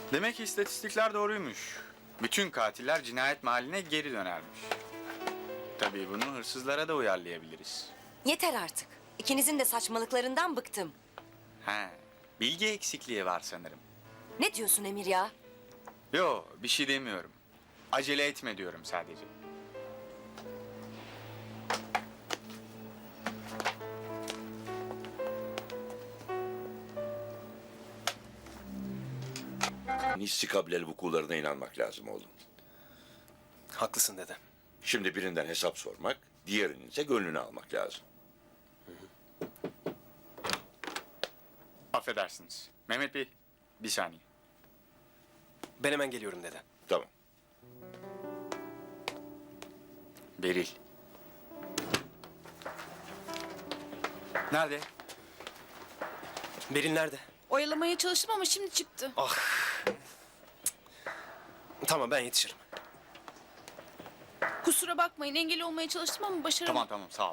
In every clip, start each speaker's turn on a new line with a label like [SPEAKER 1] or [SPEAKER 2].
[SPEAKER 1] Demek ki istatistikler doğruymuş. Bütün katiller cinayet mahalline geri dönermiş. Tabii bunu hırsızlara da uyarlayabiliriz.
[SPEAKER 2] Yeter artık. İkinizin de saçmalıklarından bıktım.
[SPEAKER 1] He, bilgi eksikliği var sanırım.
[SPEAKER 2] Ne diyorsun Emir ya?
[SPEAKER 1] Yo, bir şey demiyorum. Acele etme diyorum sadece.
[SPEAKER 3] Nissi kabileli vukularına inanmak lazım oğlum.
[SPEAKER 4] Haklısın dede.
[SPEAKER 3] Şimdi birinden hesap sormak, diğerinin ise gönlünü almak lazım.
[SPEAKER 1] Affedersiniz. Mehmet Bey, bir saniye.
[SPEAKER 4] Ben hemen geliyorum dede.
[SPEAKER 3] Tamam.
[SPEAKER 1] Beril. Nerede?
[SPEAKER 4] Beril nerede?
[SPEAKER 5] Oyalamaya çalıştım ama şimdi çıktı.
[SPEAKER 4] Tamam, ben yetişirim.
[SPEAKER 5] Kusura bakmayın, engel olmaya çalıştım ama başaramadım.
[SPEAKER 1] Tamam sağ ol.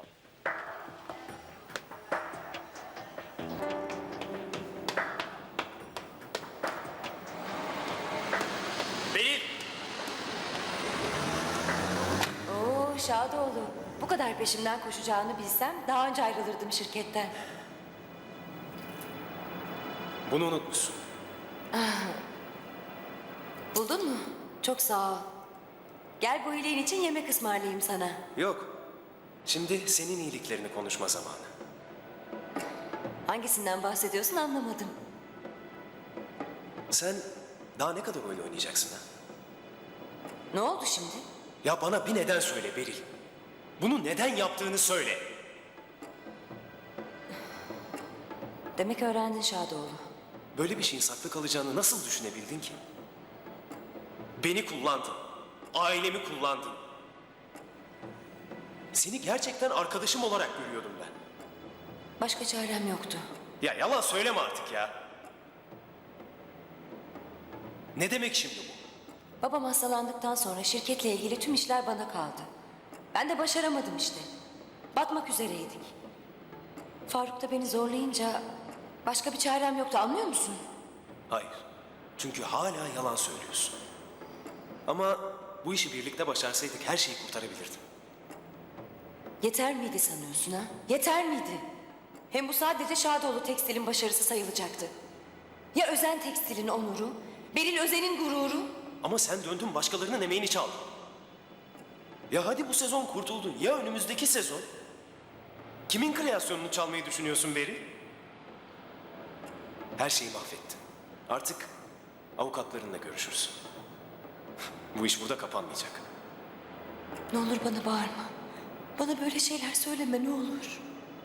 [SPEAKER 4] Beril!
[SPEAKER 2] Oo Şadoğlu. Bu kadar peşimden koşacağını bilsem daha önce ayrılırdım şirketten.
[SPEAKER 4] Bunu unutmuşsun.
[SPEAKER 2] Buldun mu? Çok sağ ol. Gel bu iyiliğin için yemek ısmarlayayım sana.
[SPEAKER 4] Yok. Şimdi senin iyiliklerini konuşma zamanı.
[SPEAKER 2] Hangisinden bahsediyorsun anlamadım.
[SPEAKER 4] Sen daha ne kadar oyun oynayacaksın ha?
[SPEAKER 2] Ne oldu şimdi?
[SPEAKER 4] Ya bana bir neden söyle Beril. Bunu neden yaptığını söyle.
[SPEAKER 2] Demek öğrendin Şadoğlu.
[SPEAKER 4] Böyle bir şeyin saklı kalacağını nasıl düşünebildin ki? Beni kullandın. Ailemi kullandın. Seni gerçekten arkadaşım olarak görüyordum ben.
[SPEAKER 2] Başka çarem yoktu.
[SPEAKER 4] Ya yalan söyleme artık ya. Ne demek şimdi bu?
[SPEAKER 2] Babam hastalandıktan sonra şirketle ilgili tüm işler bana kaldı. Ben de başaramadım işte. Batmak üzereydik. Faruk da beni zorlayınca başka bir çarem yoktu, anlıyor musun?
[SPEAKER 4] Hayır. Çünkü hala yalan söylüyorsun. Ama bu işi birlikte başarsaydık her şeyi kurtarabilirdim.
[SPEAKER 2] Yeter miydi sanıyorsun ha? Yeter miydi? Hem bu sadece Şadoğlu Tekstil'in başarısı sayılacaktı. Ya Özen Tekstil'in onuru, Beril Özen'in gururu?
[SPEAKER 4] Ama sen döndün başkalarının emeğini çaldın. Ya hadi bu sezon kurtuldun. Ya önümüzdeki sezon? Kimin kreasyonunu çalmayı düşünüyorsun Beri? Her şeyi mahvettin. Artık avukatlarınla görüşürsün. Bu iş burada kapanmayacak.
[SPEAKER 2] Ne olur bana bağırma. Bana böyle şeyler söyleme ne olur.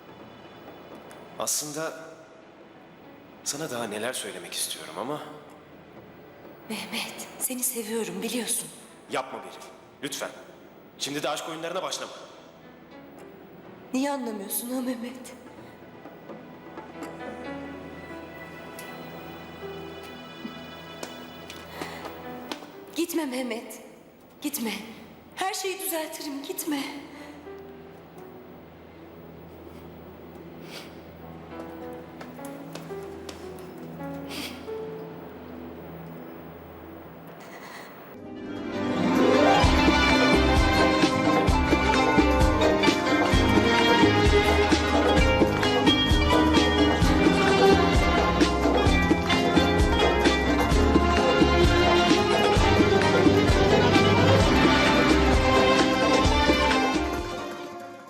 [SPEAKER 4] Aslında sana daha neler söylemek istiyorum ama
[SPEAKER 2] Mehmet, seni seviyorum biliyorsun.
[SPEAKER 4] yapma Beril. Lütfen. Şimdi de aşk oyunlarına başlama.
[SPEAKER 2] Niye anlamıyorsun ha Mehmet? Gitme Mehmet. Gitme. Her şeyi düzeltirim, gitme.